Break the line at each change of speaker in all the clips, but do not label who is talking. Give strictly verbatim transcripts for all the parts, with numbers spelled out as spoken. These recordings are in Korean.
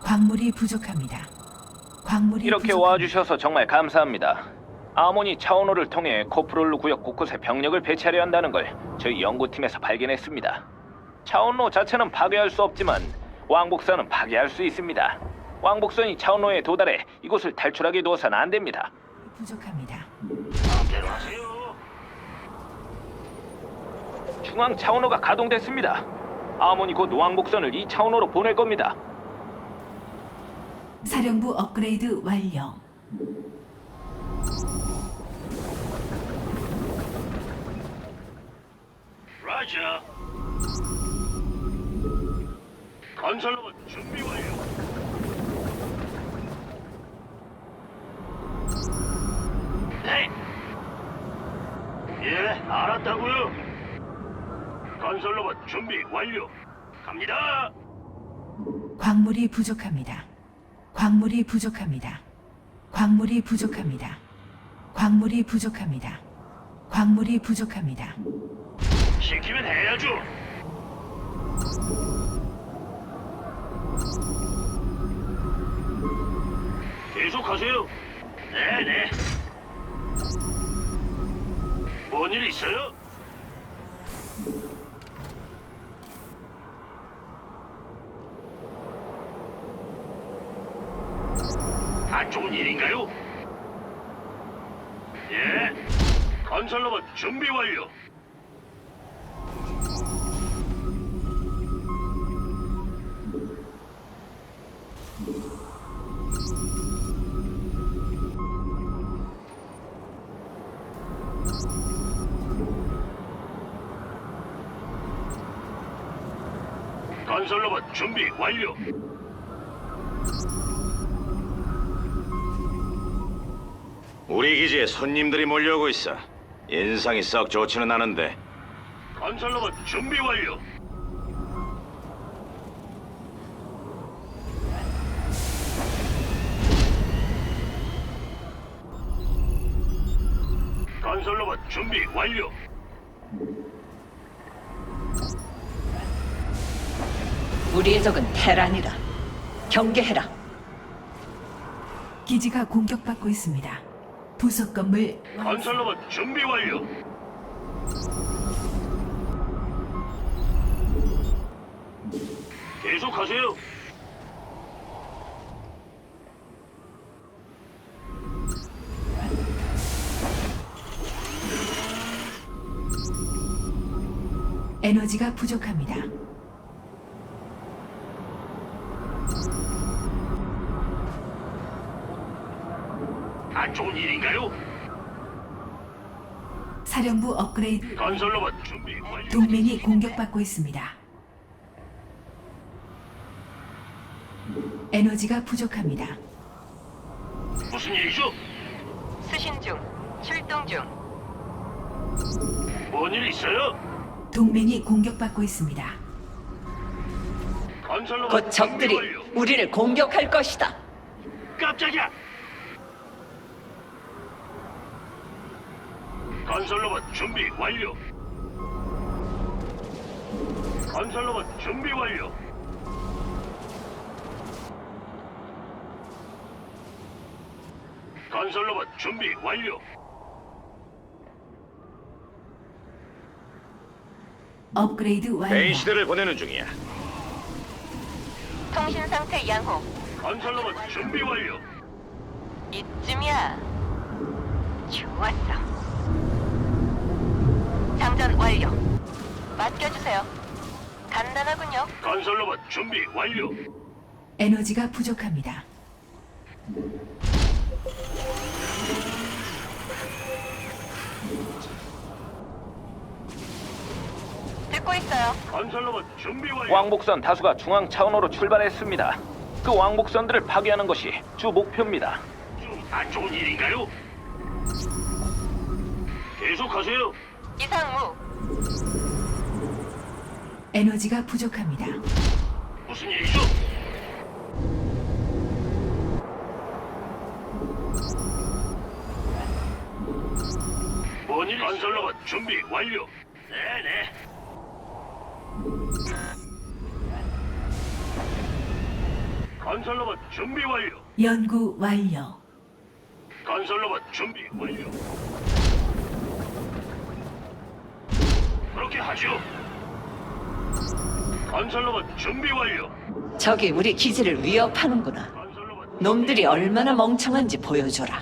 광물이 부족합니다. 광물이
이렇게
부족합니다.
와주셔서 정말 감사합니다. 아모니 차원호를 통해 코프롤루 구역 곳곳에 병력을 배치하려 한다는 걸 저희 연구팀에서 발견했습니다. 차원로 자체는 파괴할 수 없지만 왕복선은 파괴할 수 있습니다. 왕복선이 차원로에 도달해 이곳을 탈출하게 두어서는 안 됩니다.
부족합니다.
마음대로 하세요.
중앙 차원호가 가동됐습니다. 아모니 곧 왕복선을 이 차원호로 보낼 겁니다.
사령부 업그레이드 완료.
라자. 건설로봇 준비 완료. 네. 예, 알았다고요. 건설로봇 준비 완료. 갑니다.
광물이 부족합니다. 광물이 부족합니다. 광물이 부족합니다. 광물이 부족합니다. 광물이 부족합니다.
시키면 해야죠. 계속하세요. 네네. 뭔 일 있어요? 안 좋은 일인가요? 예. 건설로봇 준비 완료. 건설로봇 준비 완료.
우리 기지에 손님들이 몰려오고 있어. 인상이 썩 좋지는 않은데.
건설로봇 준비 완료. 건설로봇 준비 완료.
우리의 적은 테란이다. 경계해라.
기지가 공격받고 있습니다. 부속 건물
건설로봇 준비 완료. 계속하세요.
에너지가 부족합니다.
안 좋은 일인가요?
사령부 업그레이드.
건설로봇 준비 완료.
동맹이 공격받고 있습니다. 에너지가 부족합니다.
무슨 일이죠?
수신 중. 출동 중.
뭔 일 있어요?
동맹이 공격받고 있습니다.
건설로봇
곧 적들이
준비 완료.
우리를 공격할 것이다.
깜짝이야. 건설로봇 준비 완료. 건설로봇 준비 완료. 건설로봇 준비 완료.
업그레이드 완료.
베인 시대를 보내는 중이야.
통신 상태 양호.
건설로봇 준비 완료.
이쯤이야. 좋았어. 장전 완료. 맡겨주세요. 간단하군요.
건설로봇 준비 완료.
에너지가 부족합니다.
듣고 있어요.
건설로봇 준비 완료.
왕복선 다수가 중앙 차원호로 출발했습니다. 그 왕복선들을 파괴하는 것이 주 목표입니다.
좀 안 좋은 일인가요? 계속하세요.
이상무.
에너지가 부족합니다.
무슨 일이죠? 뭔 일? 건설로봇 준비 완료. 네네. 건설로봇 준비 완료.
연구 완료.
건설로봇 준비 완료. 그렇게 하죠. 건설로봇 준비 완료.
적이 우리 기지를 위협하는구나.
건설로봇
놈들이 얼마나 멍청한지 보여줘라.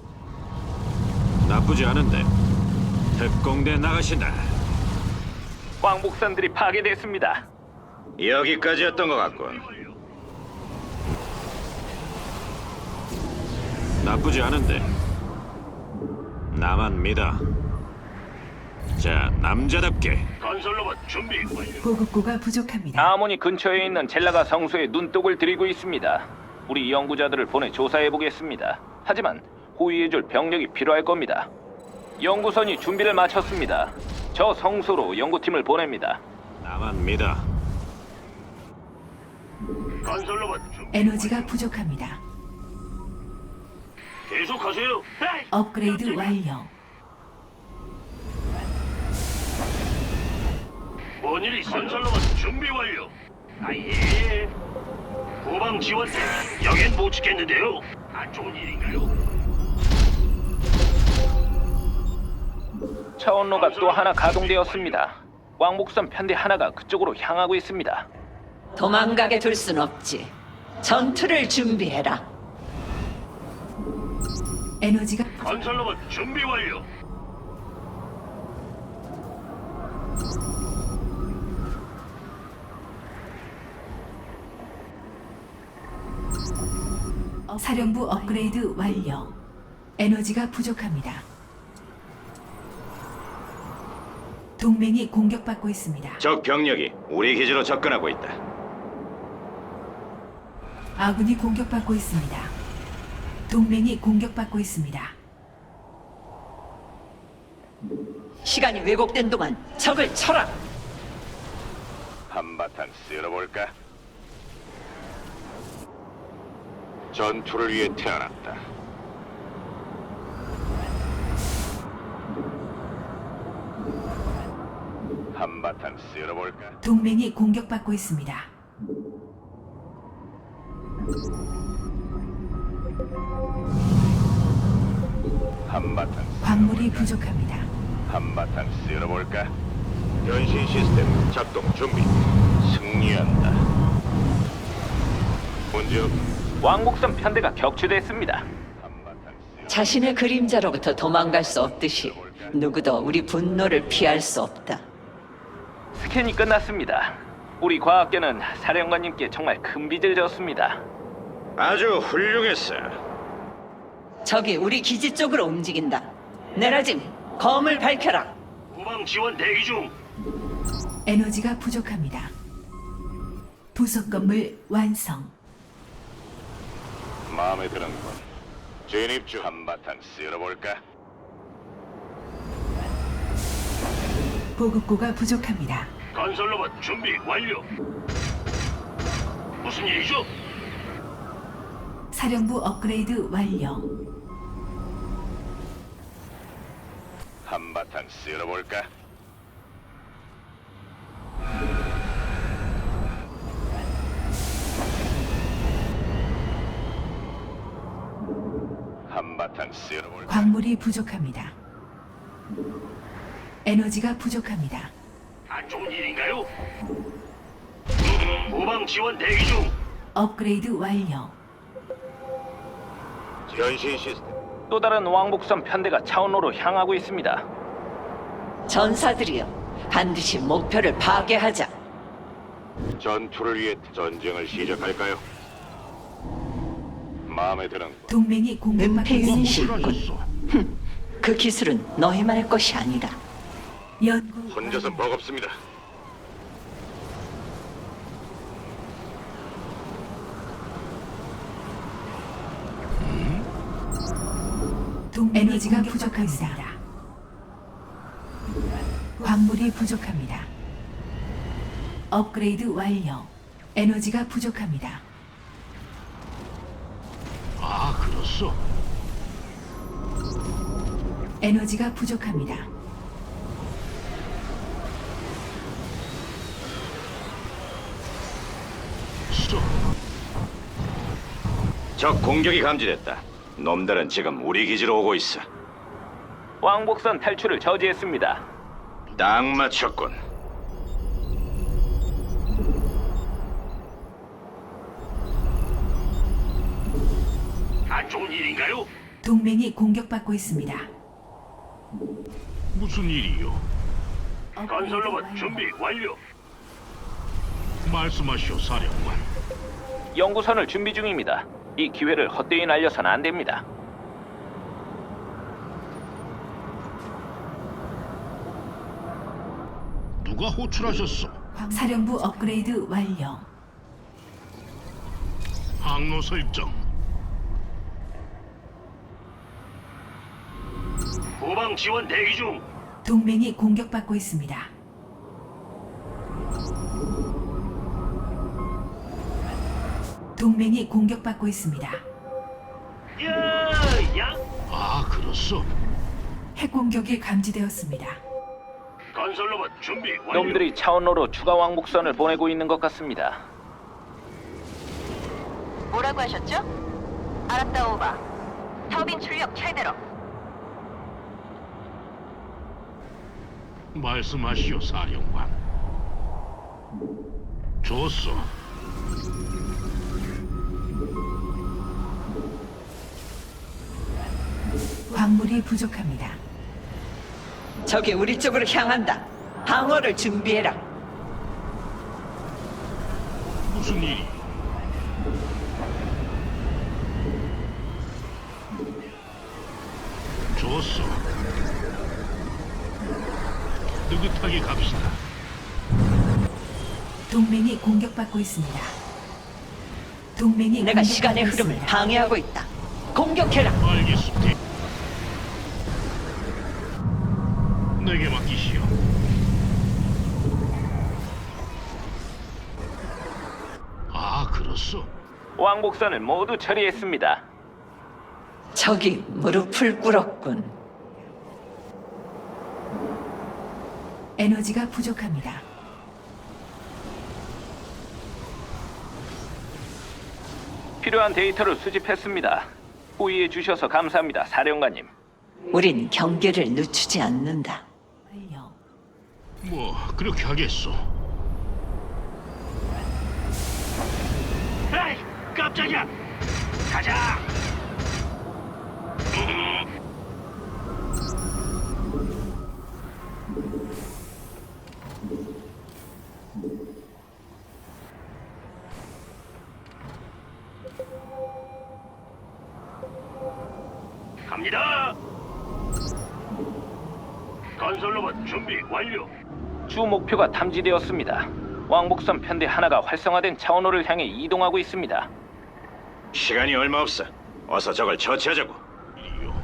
나쁘지 않은데. 특공대 나가신다.
왕복선들이 파괴됐습니다.
여기까지였던 것 같군.
완료.
나쁘지 않은데. 나만 믿어. 자, 남자답게.
건설로봇 준비 완료.
보급고가 부족합니다.
아모니 근처에 있는 젤라가 성소에 눈독을 들이고 있습니다. 우리 연구자들을 보내 조사해 보겠습니다. 하지만 호위해줄 병력이 필요할 겁니다. 연구선이 준비를 마쳤습니다. 저 성소로 연구팀을 보냅니다.
나만 믿어.
건설로봇 준비.
에너지가 부족합니다.
계속하세요. 에이!
업그레이드 완료.
뭔 일이 있어? 건설로봇 준비 완료. 아예. 후방 지원. 여긴 못 지켰는데요. 안 좋은 일인가요?
차원로가 또 하나 가동되었습니다. 왕복선 편대 하나가 그쪽으로 향하고 있습니다.
도망가게 둘 순 없지. 전투를 준비해라.
에너지가
건설로봇 준비 완료.
어, 사령부 업그레이드 완료. 에너지가 부족합니다. 동맹이 공격받고 있습니다.
적 병력이 우리 기지로 접근하고 있다.
아군이 공격받고 있습니다. 동맹이 공격받고 있습니다.
시간이 왜곡된 동안 적을 쳐라.
한바탕 쓸어볼까? 전투를 위해 태어났다. 한바탕 쓸어볼까?
동맹이 공격받고 있습니다.
한바탕
광물이 부족합니다.
한바탕 쓸어볼까? 변신 시스템 작동 준비. 승리한다. 문제 없.
왕복선 편대가 격추됐습니다.
한바탕 쓸어.
자신의 그림자로부터 도망갈 수 없듯이 누구도 우리 분노를 피할 수 없다.
스캔이 끝났습니다. 우리 과학계는 사령관님께 정말 큰 빚을 졌습니다.
아주 훌륭했어.
적이 우리 기지 쪽으로 움직인다. 네라짐, 검을 밝혀라.
후방 지원 대기 중.
에너지가 부족합니다. 부속 건물 완성.
마음에 드는군. 진입 중. 한바탕 쓸어볼까?
보급고가 부족합니다.
건설로봇 준비 완료. 무슨 일이죠?
사령부 업그레이드 완료.
한바탕 쓸어볼까? 한바탕 쓸어볼까?
광물이 부족합니다. 에너지가 부족합니다.
안 좋은 일인가요? 후방 지원 대기 중.
업그레이드 완료.
변신 시스템.
또 다른 왕복선 편대가 차원로로 향하고 있습니다.
전사들이여, 반드시 목표를 파괴하자.
전투를 위해 전쟁을 시작할까요? 마음에 드는
동맹이 공격받고
은폐윤이
있습니다.
실군. 그 기술은 너희만의 것이 아니다.
연구
혼자선 버겁습니다.
동 에너지가 부족합니다. 광물이 부족합니다. 업그레이드 완료. 에너지가 부족합니다.
아, 그렇소.
에너지가 부족합니다.
쏘.
적 공격이 감지됐다. 놈들은 지금 우리 기지로 오고 있어.
왕복선 탈출을 저지했습니다.
딱 맞췄군.
안 좋은 일인가요?
동맹이 공격받고 있습니다.
무슨 일이요?
건설로봇
준비 완료. 말씀하시오, 사령관.
연구선을 준비 중입니다. 이 기회를 헛되이 날려선 안 됩니다.
누가 호출하셨소?
사령부 업그레이드 완료.
항로 설정. 후방 지원 대기 중.
동맹이 공격받고 있습니다. 동맹이 공격받고 있습니다.
야, 야. 아, 그렇소.
핵 공격이 감지되었습니다.
건설로봇 준비 완료.
놈들이 차원로로 추가 왕복선을 보내고 있는 것 같습니다.
뭐라고 하셨죠? 알았다, 오바. 터빈 출력 최대로.
말씀하시오, 사령관. 좋소.
광물이 부족합니다.
적이 우리 쪽으로 향한다. 방어를 준비해라.
무슨 일이? 좋소. 느긋하게 갑시다.
동맹이 공격받고 있습니다. 동맹이
내가
공격받고
시간의 흐름을
있습니다.
방해하고 있다. 공격해라.
알겠습니다. 내게 맡기시오. 아, 그렇소.
왕복선을 모두 처리했습니다.
적이 무릎을 꿇었군.
에너지가 부족합니다.
필요한 데이터를 수집했습니다. 호의해 주셔서 감사합니다, 사령관님.
우린 경계를 늦추지 않는다.
완료.
뭐 그렇게 하겠소. 에이, 깜짝이야. 가자. 갑니다. 건설로봇 준비 완료.
주 목표가 탐지되었습니다. 왕복선 편대 하나가 활성화된 차원호를 향해 이동하고 있습니다.
시간이 얼마 없어. 어서 적을 처치하자고.
이요.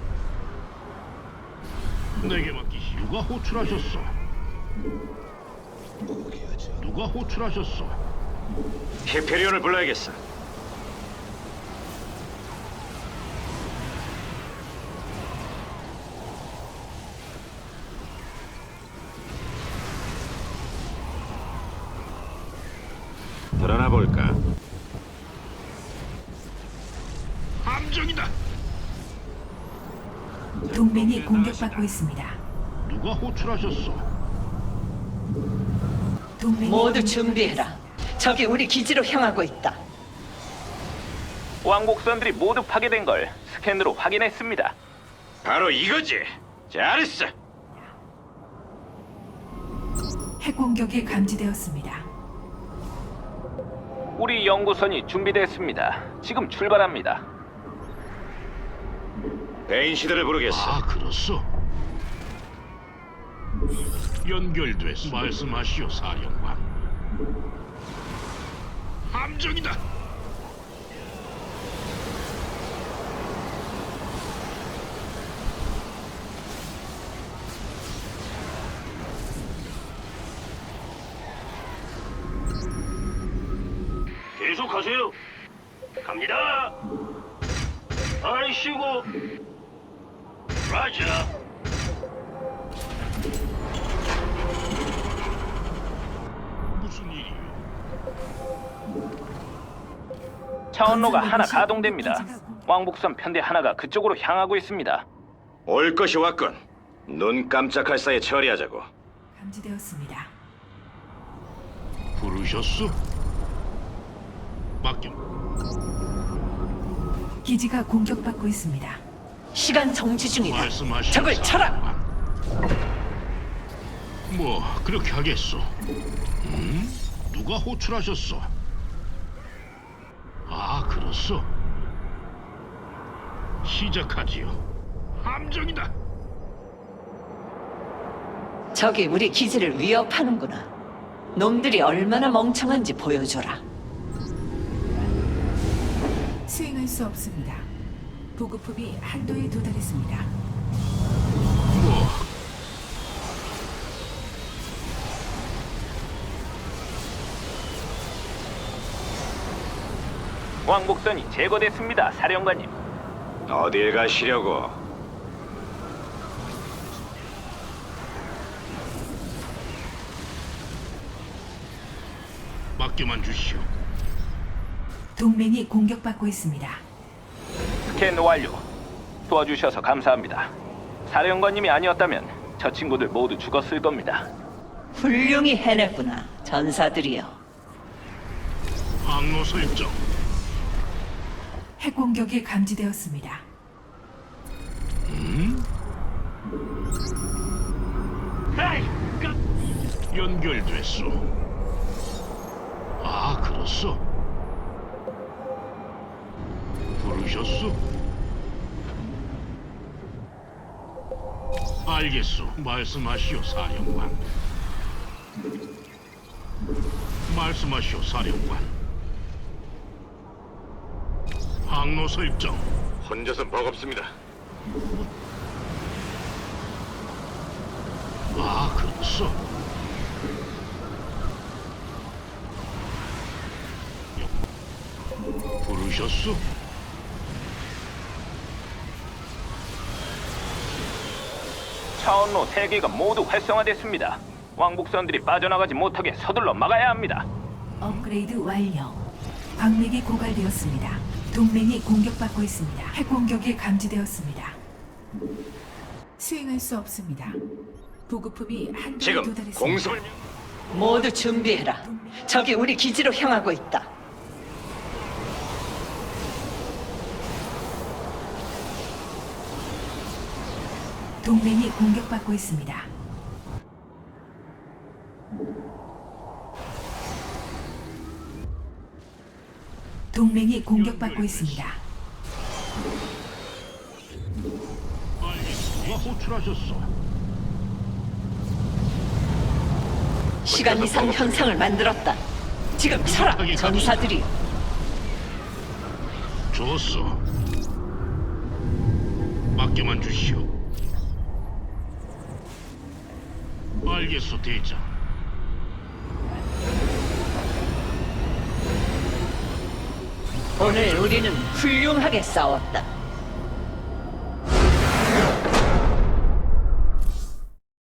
내게 맡기시. 누가 호출하셨소? 누가 호출하셨소?
히페리온을 불러야겠어. 드러나 볼까?
함정이다.
동맹이 공격받고 있습니다.
누가 호출하셨소?
동맹이
모두 준비해라. 적이 우리 기지로 향하고 있다.
왕복선들이 모두 파괴된 걸 스캔으로 확인했습니다.
바로 이거지. 잘했어.
핵 공격이 감지되었습니다.
우리 연구선이 준비됐습니다. 지금 출발합니다.
베인 시대를 부르겠어.
아, 그렇소. 연결됐소. 말씀하시오, 사령관. 함정이다. 계속하세요. 갑니다. 아이씨고. 라자. 무슨 일이요?
차원로가
건설
하나
로봇이
가동됩니다.
기지가
왕복선 편대 하나가 그쪽으로 향하고 있습니다.
올 것이 왔군. 눈 깜짝할 사이에 처리하자고.
감지되었습니다.
부르셨소? 맡겨.
기지가 공격받고 있습니다.
시간 정지 중이다.
말씀하시오.
적을 쳐라.
뭐 그렇게 하겠소. 음? 누가 호출하셨소? 아, 그렇소. 시작하지요. 함정이다.
적이 우리 기지를 위협하는구나. 놈들이 얼마나 멍청한지 보여줘라.
수행할 수 없습니다. 보급품이 한도에 도달했습니다.
뭐
왕복선이 제거됐습니다, 사령관님.
어딜 가시려고?
맡겨만 주시오.
동맹이 공격받고 있습니다.
스캔 완료. 도와주셔서 감사합니다. 사령관님이 아니었다면 저 친구들 모두 죽었을 겁니다.
훌륭히 해냈구나, 전사들이여.
항로 설정.
핵 공격이 감지되었습니다.
에이, 그... 연결됐소. 아, 그렇소. 부르셨소? 알겠소. 말씀하시오, 사령관. 말씀하시오, 사령관. 항로 설정.
혼자선 버겁습니다.
아, 그렇소. 부르셨소?
차원로 세 개가 모두 활성화됐습니다. 왕복선들이 빠져나가지 못하게 서둘러 막아야 합니다.
업그레이드 완료. 광맥이 고갈되었습니다. 동맹이 공격받고 있습니다. 핵 공격이 감지되었습니다. 수행할 수 없습니다. 보급품이 한도에
지금
도달했습니다.
공습을
모두 준비해라. 적이 우리 기지로 향하고 있다.
동맹이 공격받고 있습니다. 동맹이 공격받고 있습니다.
알겠소. 누가 호출하셨소?
시간 이상 현상을 만들었다. 지금 쳐라, 전사들이여.
좋소. 맡겨만 주시오. 알겠소, 대장.
오늘 우리는 훌륭하게 싸웠다.